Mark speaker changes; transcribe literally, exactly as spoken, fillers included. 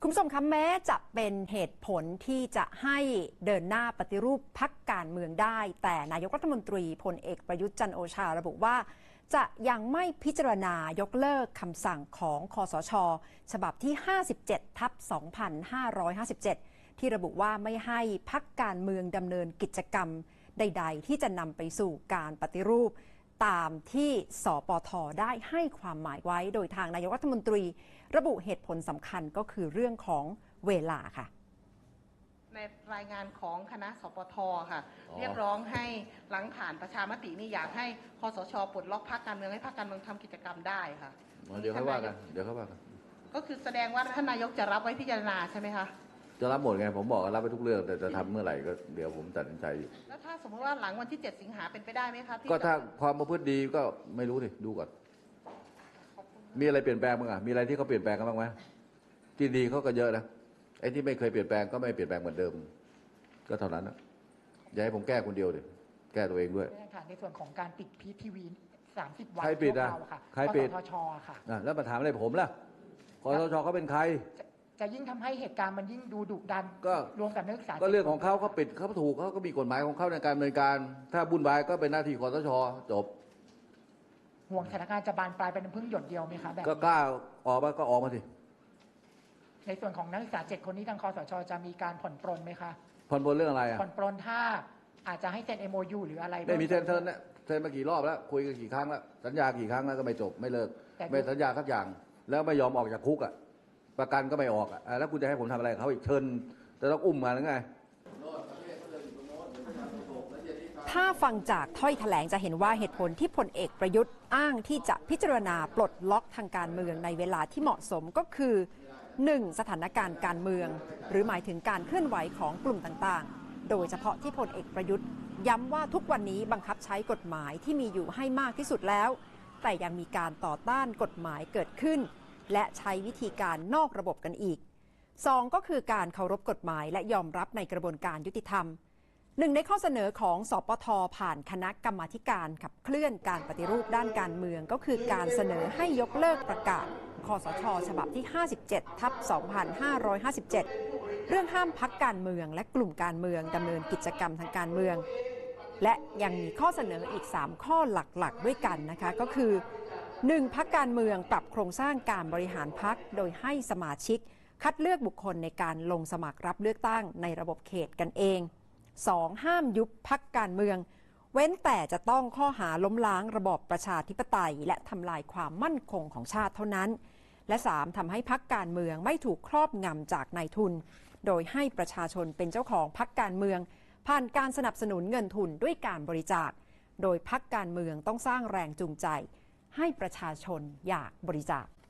Speaker 1: คุณผู้ชมคะแม้จะเป็นเหตุผลที่จะให้เดินหน้าปฏิรูปพรรคการเมืองได้แต่นายกรัฐมนตรีพลเอกประยุทธ์จันทร์โอชาระบุว่าจะยังไม่พิจารณายกเลิกคำสั่งของคสช.ฉบับที่ห้าสิบเจ็ดทับสองพันห้าร้อยห้าสิบเจ็ดที่ระบุว่าไม่ให้พรรคการเมืองดำเนินกิจกรรมใดๆที่จะนำไปสู่การปฏิรูปตามที่สปท.ได้ให้ความหมายไว้โดยทางนายกรัฐมนตรีระบุเหตุผลสำคัญก็คือเรื่องของเวลาค่ะ
Speaker 2: ในรายงานของคณะสปท.ค่ะเรียกร้องให้หลังผ่านประชามตินี่อยากให้คสช.ปลดล็อกพรรคการเมืองให้พรรคการเมืองทำกิจกรรมได้ค่ะ
Speaker 3: เดี๋ยวเขาว่ากันเดี๋ยวเขาว่ากัน
Speaker 2: ก็คือแสดงว่าท่านนายกจะรับไว้พิจารณาใช่ไหมคะ
Speaker 3: จะรับหมดไงผมบอกรับไปทุกเรื่องแต่จะทำเมื่อไหร่ก็เดี๋ยวผมตัดสินใจอยู่
Speaker 2: แล้วถ้าสมมติว่าหลังวันที่เจ็ดสิงหาเป็นไปได้ไหมคะ
Speaker 3: ก็ถ้าความประพฤติดีก็ไม่รู้สิดูก่อนมีอะไรเปลี่ยนแปลงบ้างอ่ะมีอะไรที่เขาเปลี่ยนแปลงกันบ้างไหมที่ดีเขาก็เยอะนะไอ้ที่ไม่เคยเปลี่ยนแปลงก็ไม่เปลี่ยนแปลงเหมือนเดิมก็เท่านั้นนะอย่าให้ผมแก้คนเดียวดิแก้ตัวเองด้วย
Speaker 4: ในส่วนของการปิดพีทีวีสามสิบวัน
Speaker 3: ใครปิดอ่ะใครปิด
Speaker 4: คสช.ค่ะ
Speaker 3: แล้วมาถามอะไรผมล่ะคสช.เขาเป็นใคร
Speaker 4: จะยิ่งทำให้เหตุการณ์มันยิ่งดูดุดัน
Speaker 3: ก็
Speaker 4: รวมกับนักศึกษา
Speaker 3: ก็เรื่องของเขาเขาปิดเขาถูกเขาก็มีกฎหมายของเขาในการดำเนินการถ้าบุญบายก็เป็นหน้าที่คสช.จบ
Speaker 4: ห่วงสถานการณ์จะบานปลายเป็นพึ่งหยดเดียวไหมคะแบบ
Speaker 3: ก็กล้าออกมาก็ออกมาสิ
Speaker 4: ในส่วนของนักศึกษาเจ็ดคนนี้ทางคสช.จะมีการผ่อนปรนไหมคะ
Speaker 3: ผ่อนปรนเรื่องอะไรอ่ะ
Speaker 4: ผ่อนปรนถ้าอาจจะให้เซ็น เอ็ม โอ ยู หรืออะไร
Speaker 3: ไม่มีเซ็นเซ็นเนี่ยเซ็นมากี่รอบแล้วคุยกันกี่ครั้งแล้วสัญญากี่ครั้งแล้วก็ไม่จบไม่เลิกไม่สัญญาสักอย่างแล้วไม่ยอมออกจากคุกอ่ะประกันก็ไม่ออกอ่ะแล้วคุณจะให้ผมทำอะไรเขาอีกเชิญจะต้องอุ้มมาหรือไง
Speaker 1: ถ้าฟังจากถ้อยแถลงจะเห็นว่าเหตุผลที่พลเอกประยุทธ์อ้างที่จะพิจารณาปลดล็อกทางการเมืองในเวลาที่เหมาะสมก็คือ หนึ่ง. สถานการณ์การเมืองหรือหมายถึงการเคลื่อนไหวของกลุ่มต่างๆโดยเฉพาะที่พลเอกประยุทธ์ย้ำว่าทุกวันนี้บังคับใช้กฎหมายที่มีอยู่ให้มากที่สุดแล้วแต่ยังมีการต่อต้านกฎหมายเกิดขึ้นและใช้วิธีการนอกระบบกันอีก สอง. ก็คือการเคารพกฎหมายและยอมรับในกระบวนการยุติธรรมหนึ่งในข้อเสนอของสปท.ผ่านคณะกรรมาธิการขับเคลื่อนการปฏิรูปด้านการเมืองก็คือการเสนอให้ยกเลิกประกาศคสช.ฉบับที่ห้าสิบเจ็ดทับสองพันห้าร้อยห้าสิบเจ็ดเรื่องห้ามพรรคการเมืองและกลุ่มการเมืองดำเนินกิจกรรมทางการเมืองและยังมีข้อเสนออีกสามข้อหลักๆด้วยกันนะคะก็คือ หนึ่ง. พรรคการเมืองปรับโครงสร้างการบริหารพรรคโดยให้สมาชิกคัดเลือกบุคคลในการลงสมัครรับเลือกตั้งในระบบเขตกันเอง สอง. ห้ามยุบพรรคการเมืองเว้นแต่จะต้องข้อหาล้มล้างระบอบประชาธิปไตยและทำลายความมั่นคงของชาติเท่านั้นและ สาม. ทำให้พรรคการเมืองไม่ถูกครอบงำจากนายทุนโดยให้ประชาชนเป็นเจ้าของพรรคการเมืองผ่านการสนับสนุนเงินทุนด้วยการบริจาคโดยพรรคการเมืองต้องสร้างแรงจูงใจให้ประชาชนอยากบริจาค